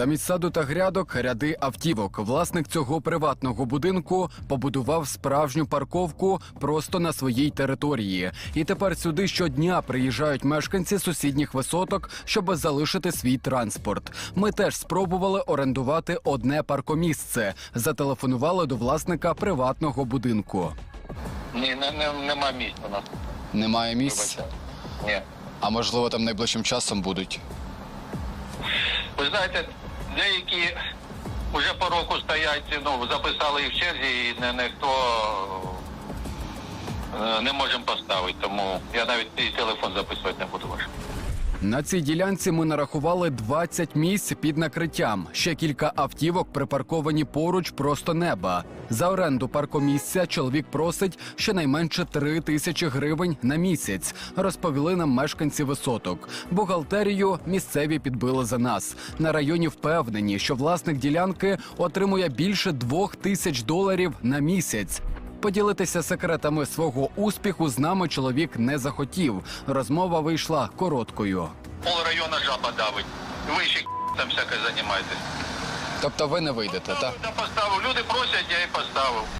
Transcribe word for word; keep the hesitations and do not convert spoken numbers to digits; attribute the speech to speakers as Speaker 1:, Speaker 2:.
Speaker 1: Замість саду та грядок – ряди автівок. Власник цього приватного будинку побудував справжню парковку просто на своїй території. І тепер сюди щодня приїжджають мешканці сусідніх висоток, щоб залишити свій транспорт. Ми теж спробували орендувати одне паркомісце. Зателефонували до власника приватного будинку.
Speaker 2: Ні, не, не, нема місць у нас.
Speaker 1: Немає місць?
Speaker 2: Ні.
Speaker 1: А можливо там найближчим часом будуть?
Speaker 2: Ви знаєте, деякі вже по року стоять, ну, записали їх в черзі, і не, ніхто е, не можемо поставити, тому я навіть і телефон записувати не буду ваш.
Speaker 1: На цій ділянці ми нарахували двадцять місць під накриттям. Ще кілька автівок припарковані поруч просто неба. За оренду паркомісця чоловік просить щонайменше три тисячі гривень на місяць, розповіли нам мешканці висоток. Бухгалтерію місцеві підбили за нас. На районі впевнені, що власник ділянки отримує більше двох тисяч доларів на місяць. Поділитися секретами свого успіху з нами чоловік не захотів. Розмова вийшла короткою.
Speaker 2: Пол району жаба давить. Ви ще там всяке займаєтесь.
Speaker 1: Тобто ви не вийдете, так?
Speaker 2: Я поставив. Люди просять, я і поставив.